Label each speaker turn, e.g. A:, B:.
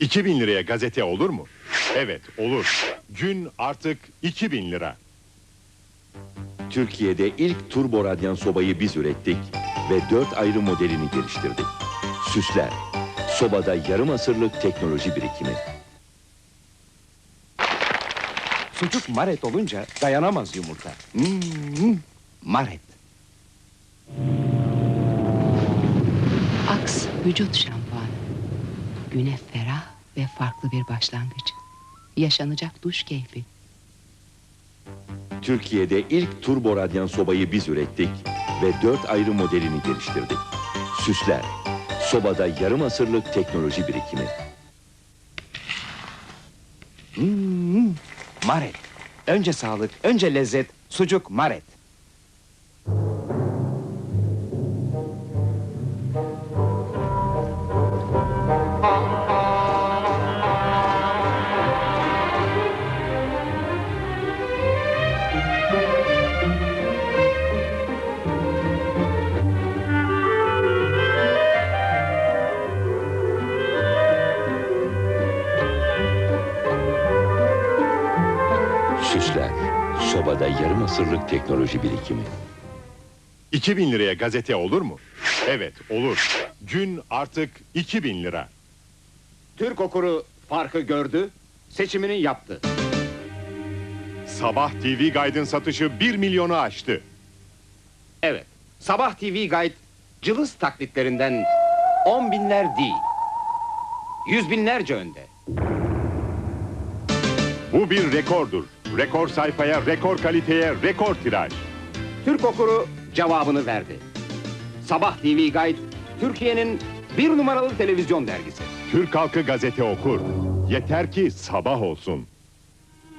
A: 2000 liraya gazete olur mu? Evet, olur. Gün artık 2000 lira.
B: Türkiye'de ilk turbo radyan sobayı biz ürettik ve 4 ayrı modelini geliştirdik. Süsler, sobada yarım asırlık teknoloji birikimi.
C: Sucuk maret olunca dayanamaz yumurta. Maret.
D: Aks vücut şampuanı. Güne ferah ve farklı bir başlangıç. Yaşanacak duş keyfi.
B: Türkiye'de ilk turbo radyan sobayı biz ürettik ve 4 ayrı modelini geliştirdik. Süsler, sobada yarım asırlık teknoloji birikimi.
C: Maret. Önce sağlık, önce lezzet. Sucuk maret.
B: Süsler, sobada yarım asırlık teknoloji birikimi.
A: 2000 liraya gazete olur mu? Evet, olur. Gün artık 2000 lira.
E: Türk okuru farkı gördü, seçimini yaptı.
A: Sabah TV Guide'ın satışı 1 milyonu aştı.
E: Evet, Sabah TV Guide cılız taklitlerinden 10 binler değil, 100 binlerce önde.
A: Bu bir rekordur. Rekor sayfaya, rekor kaliteye, rekor tiraj.
E: Türk okuru cevabını verdi. Sabah TV Guide, Türkiye'nin 1 numaralı televizyon dergisi.
A: Türk halkı gazete okur. Yeter ki sabah olsun.